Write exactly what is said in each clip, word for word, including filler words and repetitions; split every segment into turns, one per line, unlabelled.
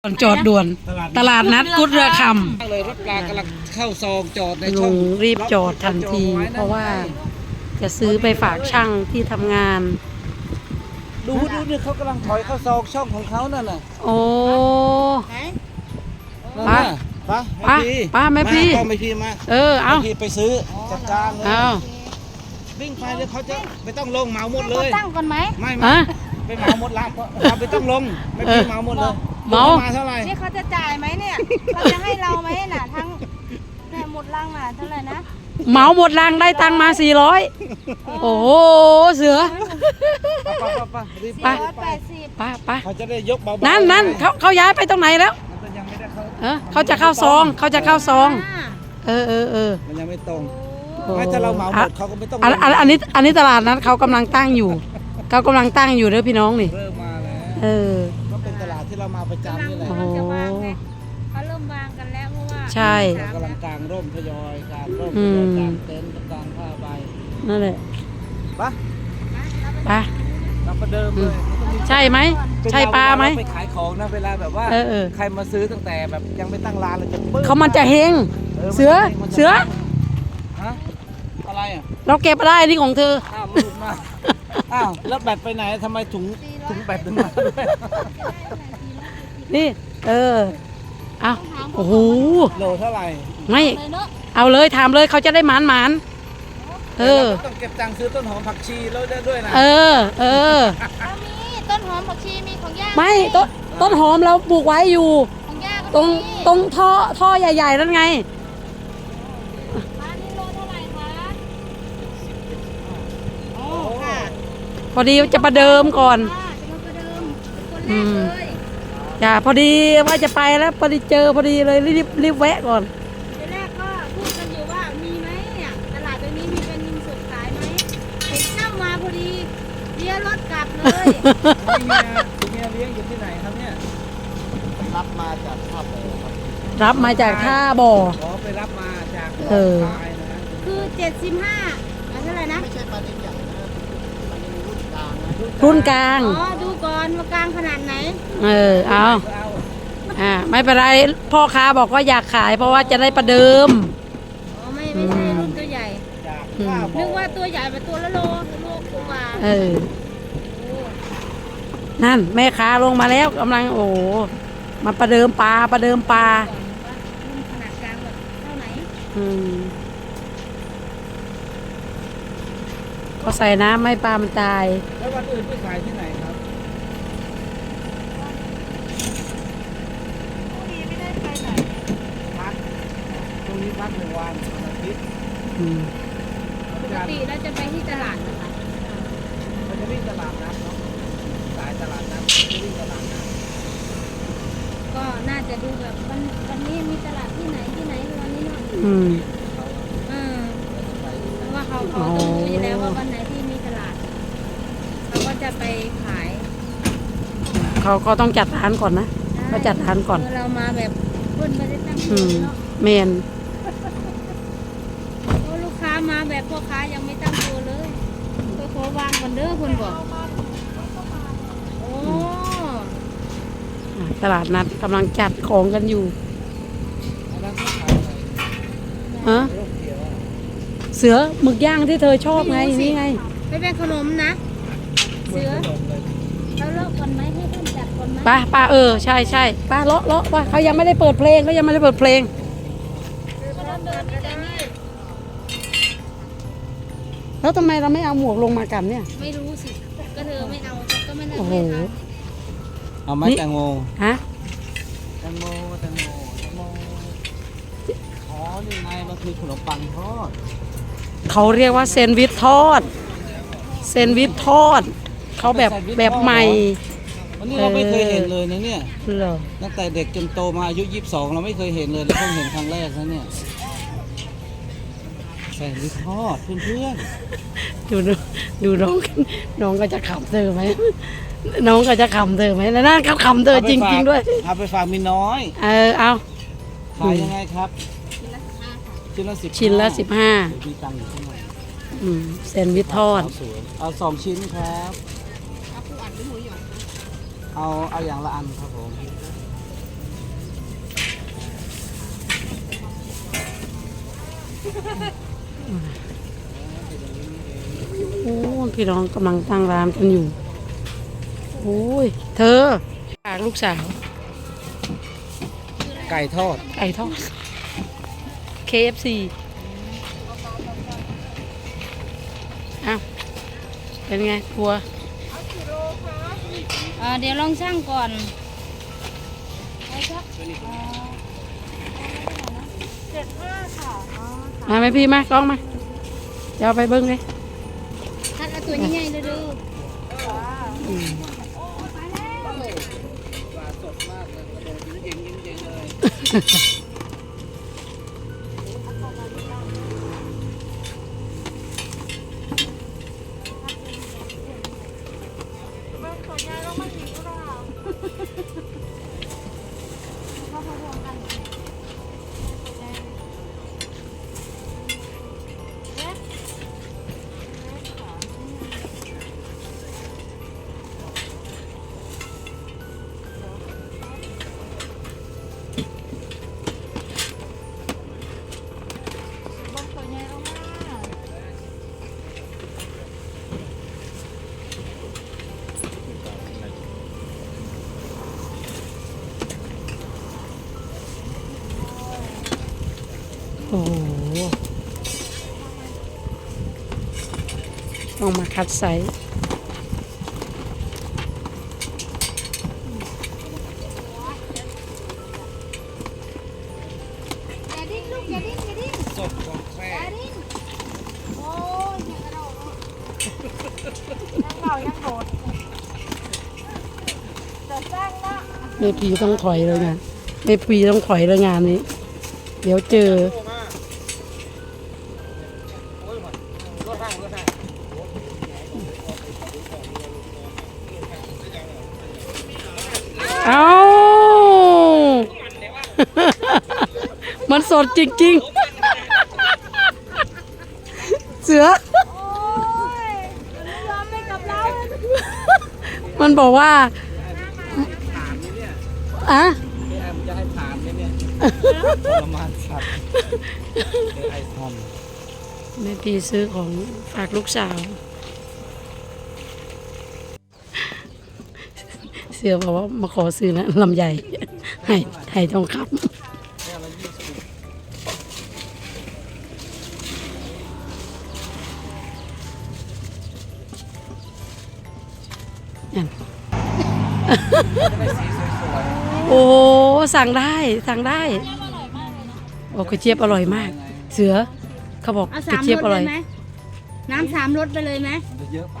ก่อนจอดด่วนตลาดนัดกุดเรือค
ำเลยรถปลากำลังเข้าซองจอดใน
ำ
ช่
ลุ
อง
งรีบจอดทันที เพราะว่าจะซื้อไปฝากช่างที่ทำงาน
ดูดูนี่เขากำลังถอยเข้าซองช่องของเขานั่นน่ะ
โอ้
นั่นน่ะป้า
ป้าป้าแม่พี่
ก็ไม่พี่มา
เออเอา
แม่พี่ไปซื้อจัดการเลย
เอา
วิ่งไปเดี๋ยวเขาจะไม่ต้องลงเหมาหมดเล
เขา
ย
ตั้งก่อนไหม
ไม่ไม่
อะ
ไปเหมาหมดร้านก็เราไม่ต้องลงไม่พี่เหมาหมดเลย
เหมา
มาเท่าไหร่
นี่เขาจะจ่ายไหมเนี่ยเขาจะให้เราไหมน่ะทั้งเนี่ยหมดลังน่ะเท่าไหร่นะ
เหมาหมดรางได้ตังค์มาสี่ร้อยโอ้โหเสือ
ป้าป้าป้ารีบ
ไป
ร้อยแปดสิบ
ไป้าป้า
เขาจะได้ยกเบาๆ
นั่นนั่นเขาเขาย้ายไปตรงไหนแล้ว
มันยังไม่ได้เข้า
เออเขาจะเข้าซองเขาจะเข้าซอง
อ่า
เออเออเออ
มันยังไม่ตรง
โอ้
ไม่ถ้าเราเหมาหมดเขาก็ไม่ต้อง
อันอันอันนี้อันนี้ตลาดนัดเขากำลังตั้งอยู่เขากำลังตั้งอยู่เด้อพี่น้องนี่
เริ่มมาแล้ว
เออ
ก็เป็นตลาดที่เรามาประจำนี่แหละ
โอ้โห
จะวางไงเขาเริ่มวางกันแล้วเพราะว่า
ใช่
เรากำลังกางร่มทยอยกางร่ม
อื
ท
ม
ยอยกางเต็นท์กางผ้าใบ
นั่นแหละ
ปะ
ไป
เราประเดิมเลย
ใช่ไหมใช่ปลาไหม
เวไปขายของนะเวลาแบบว่า
เออเออ
ใครมาซื้อตั้งแต่แบบยังไม่ตั้งร้านเลยจะปึ๊บ
เขามันจะเฮงเสือเสือ
ฮะอะไรอ่ะ
เราเก็บมาได้นี่ของเธอ
อ้าวมันหลุดมาอ้าวแล้วแบตไปไหนทำไมถุงถุงแบตถึงมาด้วย
นี่ เออเอาโอ้โห
โลเท่าไหร่
ไม่
เลยเนาะ
เอาเลยถามเลยเขาจะได้หมานหมานเออ
ราก็ต้องเก็บตังค์ซื้อต้นหอมผักชีแล้วได้ด้วยนะ
เออ เออ
เรามีต้นหอมผักชีมีของย่า
ไม่ต้นต้นหอมเราปลูกไว้อยู่
ของย่าก็
ตรง
มี
ตรงท่อท่อใหญ่ๆนั่นไง
ร้านนี้โลเท่าไหร่คะอ๋อค่ะ
พอดีจะประเดิมก่อน
ค่ะจะมาประเดิมคน
อื
แรก
ม
เลย
จ้าพอดีว่าจะไปแล้วพอดีเจอพอดีเลยรีบรีบแวะก่อน
ทีแรกก็พูดกันอยู่ว่ามีไหมเนี่ยตลาดตรงนี้มีเป็นยิมสดขายไหมเห็นเจ้ามาพอดีเลี้ยวรถกลับเลย
เมียเมียเลี้ยงอยู่ที่ไหนครับเนี่ยรับมาจากภาพเลยครับ
รับมาจากท่าบ่อ
ขอไปรับมาจาก
เออ
ปลายนะ
คือเจ็ดสิบห้าเท่าไหร่นะ
ไม่ใช่ปลานิลใหญ่นะปลานิลรุ่นกลางนะ
รุ่นกลาง
อ๋อดูก่อนว่ากลางขนาดไหน
เออเอา
เอา
อ่าไม่เป็นไรพ่อค้าบอกว่าอยากขาย เพราะว่าจะได้ประเดิม
อ๋อไม่ไม่ใช่รุ่นตัวใหญ่
จาก
อืม
ข้าว
นึกว่าตัวใหญ่เป็นตัวละโลโลกว่า
เออ
โอ้
นั่นแม่ค้าลงมาแล้วกำลังโอ้โหมาประเดิมปลาประเดิมปลา
ก่อนว่ารุ่นขนาดกลางแบบเท่าไหน
อืมก็ใส่น้ำไม่ปลามันตาย
แล้ววันอื่นไปขายที่ไหนครับ
พอดีไม่ได้ไปไหน
พักตรงนี้พักหนึ่งวันวันอาทิตย์
อืม
ปกติเราจะไปที่ตลาดนะคะ
มันจะวิ่งตลาดนัดเนาะสายตลาดนัดจะวิ่งตลาดนัด
ก็น่าจะดูแบบวันวันนี้มีตลาดที่ไหนที่ไหนวันนี้เนาะ
อืม
เขา
เออ
จะไป
เพราะว่าเขาเขาต้องรู้อยู่แล้วว่าวันไหนที่มีตลาดเขาก็จะไปขาย
เขาก็ต้องจัดร้านก่อนนะ ก็จัดร้านก่อน
เเรามาแบบเพิ่นไม่ได้ตั้งตั
อื
ว
ม
เนาะ
เมน
โอ้ลูกค้ามาแบบพ่อค้ายังไม่ตั้งตัวเลยก็ขอวางก่อนเด้อคุณบอกโอ้
อ่ะตลาดนัดกำลังจัดของกันอยู่
อันนั้นเขาขายอะไร
ฮะ
ร่มเขียวอะ
เสือหมึกย่างที่เธอชอบไงนี่ไง
ไม่เป็นขนมนะ
เหมื
เสื
อน
อ
ขนมเลย
เราเลิกก่อนไหมให้เพิ่นจัดก่อนไหม
ป้าป้าเออใช่ใช่ป้าเลาะเลาะป้าเขายังไม่ได้เปิดเพลงเขายังไม่ได้เปิดเพลง
ก็เดินไปแต่นี่
แล้วทำไมเราไม่เอาหมวกลงมากันเนี่ย
ไม่รู้สิก็เธอไม่เอาก็ไม่ได้
โอ้โห
ไม่ท
เอาไหม
นี่
แตงโม
ฮะ
แตงโมแตงโมแตงโมอ๋อนี่ไงมันคือขนมปังทอด
เขาเรียกว่าเซนด์วิชทอดเซนด์วิชทอดเขาแบบแบบใหม่
วันนี้เราไม่เคยเห็นเลยนะเนี่ย
เหรอ
ตั้งแต่เด็กจนโตมาอายุยี่สิบสองเราไม่เคยเห็นเลยแล้วเพิ่งเห็นครั้งแรกนะเนี่ยแซนด์วิชทอดเพื่อน
ดูดูดูน้องน้องก็จะขำเธอไหมน้องก็จะขำเธอไหมแล้วนั่นเขาขำ
ๆ
เธอจริง ๆ ด้วย
เอาไปฝากมีน้อย
เออเอา
ขายยังไงครับ
ำชิ้นละสิบห้าค่ะ
ชิ้นละสิบ
ชิ้นละสิบห้า
มีตังค์อยู่ข้างใน
อืมแซนด์วิชทอด
เอาสวยเอาสองชิ้นครับ
เอาปูอัดหรือหมูหยอง
เอาเอาอย่างละอันครับผม
โอ้พี่น้องกำลังตั้งร้านกันอยู่โอ้ยเธอฝากลูกสาว
ไก่ทอด
ไก่ทอด เค เอฟ ซี อ้าวเป็นไงครัว
อ่าเดี๋ยวลองช่างก่อนเจ็ดห้าค่ะอ๋อ
มาไหมพี่มากล้องมาเดี๋ยวเอาไปเบิ้งเลย
คัดเอาตัวใหญ่ๆเลยดู
อืม
ปลาสดมากเลยกระโดดเย็นๆเย็นๆเลย
โอ้โหต้องมาคัดไซส์
อย่าดิ้นลูกอย่าดิ้นอย่าดิ้น
สดของแท้
อย่าดิ้นโอ้ยอย่ากระโดดยังเบายังโดดจะสร้างละ
แม่พีต้องถอยเลยงานแม่พีต้องถอยเลยงานนี้ เดี๋ยวเจอ เอา มันสดจริงๆ เสือ
โอ้ยไม่ยอมไม่กลับเรา
มันบอกว่า
ถามนี่เนี่ย
อะ
พี่แอมจะให้ถามไหมเนี่ยทรมานสัตว์เอไอทอม
แม่พีซื้อของฝากลูกสาว เสือบอกว่ามาขอซื้อนะลำใหญ่ ให้ให้ทองค
แค่ละยี่สิบ
ำนั่น
ได้สีสวย
โอ้สั่งได้สั่งได้โอ้กระเจี๊ยบอร่อยมาก เสือเขาบอก
เอา
ก
สา
ระ
ม
เจี๊ยบ
ร
อ
ส
ร่
เล
อย
ยไหมน้ำสามรสไปเลยไหม
ๆมันจะเยอะไป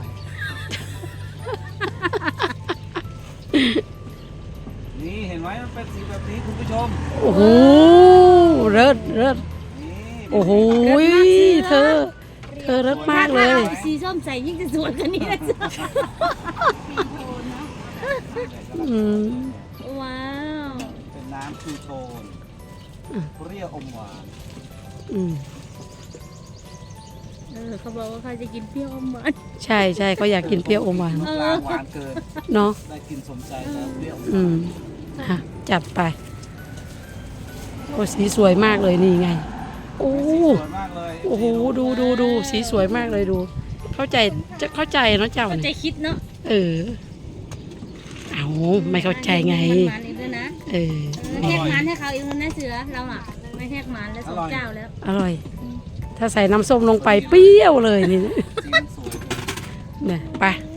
นี่เห็นไหมมันเป็นสีแบบนี้คุณผู้ชม
โอ้โหเลิศเลิศ
นี่
โอ้โหเธอ เธอเลิศมากเลย
ถ้อสีส้มใส่ยิ่งจะสวยกว่านี้นะจ๊ะ
อืม
ว้าว
เป็นน้ำชูโทนเปรี้ยวอมหวาน
อืม
เออเขาบอกว่าเขาจะกินเปรี้ยวอมหวาน
ใช่ใช่เขาอยากกินเปรี้ยวอมหวาน
น้ำปลาหวานเกิน
เนาะ
ได้กินสมใจแล้วเปรี้ยว
อืมฮะจัดไป โอ้สีสวยมากเลยนี่ไง โอ้
สีสวยมากเลย
โอ้โหดูดูดูสีสวยมากเลยดู เข้าใจจะเข้าใจเนาะเจ้า
เขาใจ
เนี่ย
คิดเนาะ
เออ เอาไม่เข้าใจไง
มันมันอีกด้วยนะ
เออ
เออแทกมันให้เขาอีกแล้วนะเสือเราอ่ะไม่แทกมันแล้วสองเจ้าแล้ว
อร่อย ถ้าใส่น้ำส้มลงไปเปรี้ยวเลยนี่
สีมันสวย
เนี่ยไป